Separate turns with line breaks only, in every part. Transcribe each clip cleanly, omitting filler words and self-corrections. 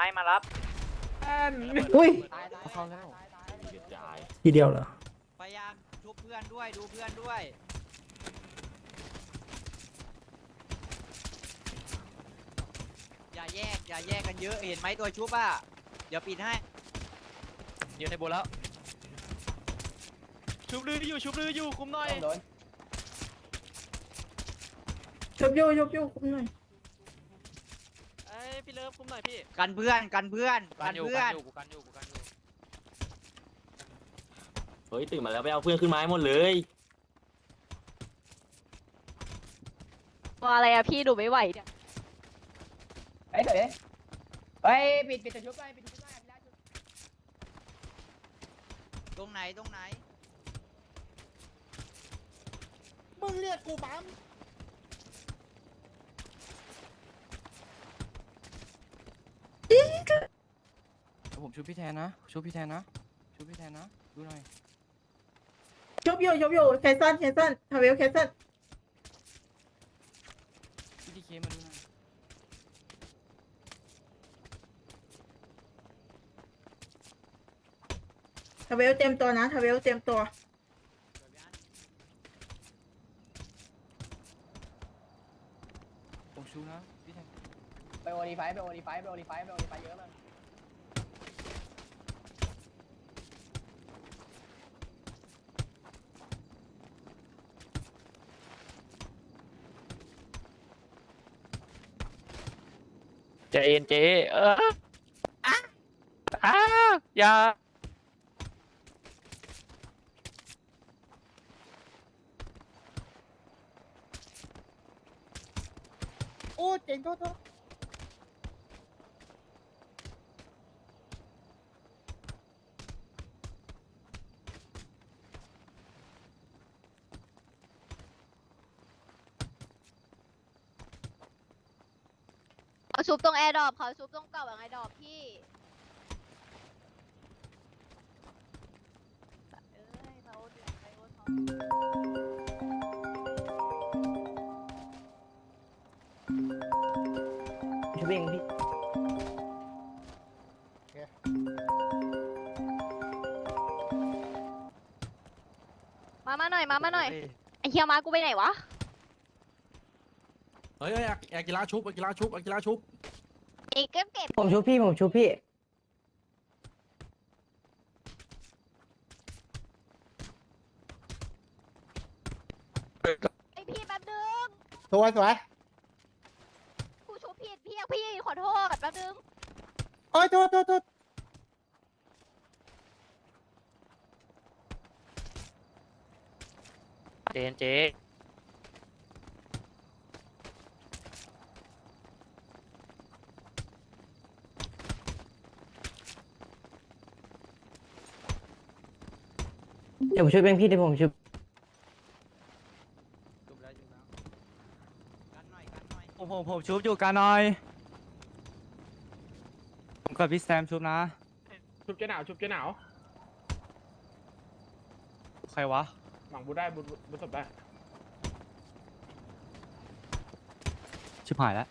มารับ
อุ้ย
เข้าแล้ว
ทีเดียวเหรอ
พยายามชุบเพื่อนด้วยดูเพื่อนด้วยอย่าแยกกันเยอะเห็นไหมตัวชุบอ่ะเดี๋ยวปิดให้เดี๋ยวในโบแล้วชุบลืออยู่คุมหน่อย
ชุบโยคุมหน่อย
เอ้ยพี่เลิฟคุมหน่อยพี่กันเพื่อนกันอยู่กูกันอยู่
เฮ้ยตื่นมาแล้วไปเอาเพื่อนขึ้นมาให้หมดเลย
ตัวอะไรอะพี่ดูไม่ไหวเนี่ย
เฮ้ยเดี๋ยวเฮ้ยปิดตัวชุบไปปิดตัวชุบไป
ตรงไหน
มึงเรียกกูปั๊ม
ผมชูพี่แทนนะชูพี่แทนนะดูหน่อย
ชุบโยแคนซันทาเวลแคนซัน
พี่ดีเคมาดูหน่อย
ทาเวลเต็มตัวนะทาเวลเต็มตัว
ผมชูนะพี่แทน
ไปโอดีไฟเยอะเลย
เจนเจอย่า
โอ้เจ๋งโทษ
เขาชุบตรงแอร์ดรอปเขาชุบตรงเก่าอย่างไอดรอปพี่เอ้ยเขาเดือดไปโอ้เขา
ชุบเองพี่
มาหน่อยไอเฮียมากูไปไหนวะ
เฮ้ยอากิระชุบ
ไอเก็บ
ผมชุบพี่
ไอพี่แป๊บนึง
สวย
กูชุบผิดพี่ขอโทษแป๊บนึง
โอ้ยโทษ
เจนเจ
เดี๋ยวผมชุบเองพี่เดี๋ยวผมชุบ
กันหน่อย
ผมชุบอยู่กันหน่อยผมกับพี่แซมชุบนะชุบเจ๊หนาวใครวะหวังบุได้บุศพได้ชิบหายแล้ว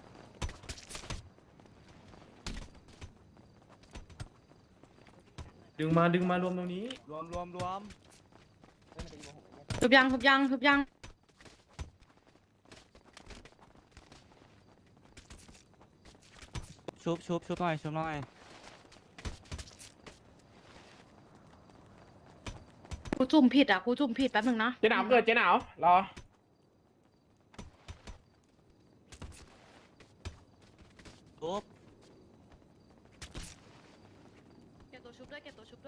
ดึงมารวมตรงนี้รวม
ทุบยัง
ชุบหน่อย
กูจุ่มผิดแป๊บนึงนะ
เจ๊หนาวเกิดเจ๊หนาวรอ
ชุบ
เก็บตัวชุบด้วยมีเก็บตัวชุบ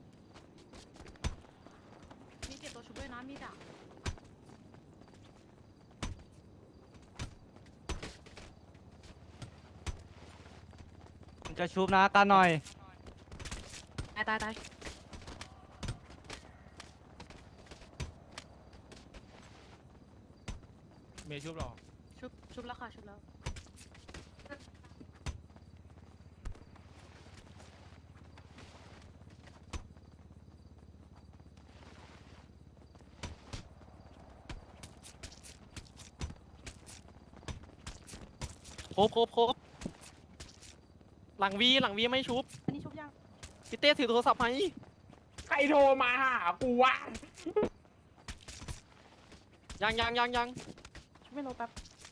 ด้วยนะมีดอ่ะ
ผมจะชุบนะกันหน่อย
ตาย
เมย์ชุบหรอ
ชุบแล้วค่ะชุบแล้ว
ครบ
หลังวีไม่ชุบ
อันนี้ชุบยัง
พี่เต้ถือโทรศัพท์ไหม
ใครโทรมาหากูวะ
ยัง
ชุบไม่ลงแป๊บ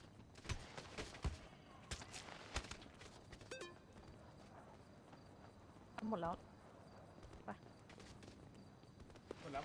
หมดแล้ว
หมดแล้ว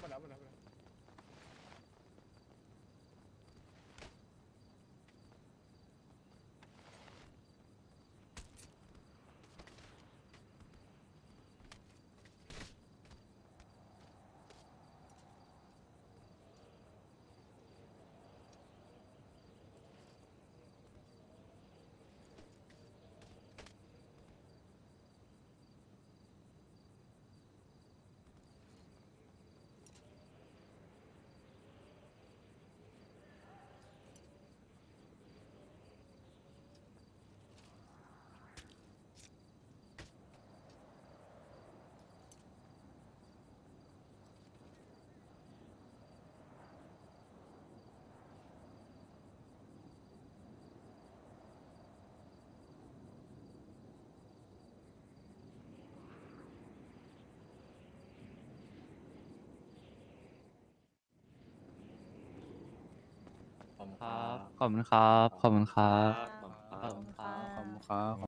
ขอบคุณครับ ขอบคุณครับ
ครับ
ขอบคุณครับ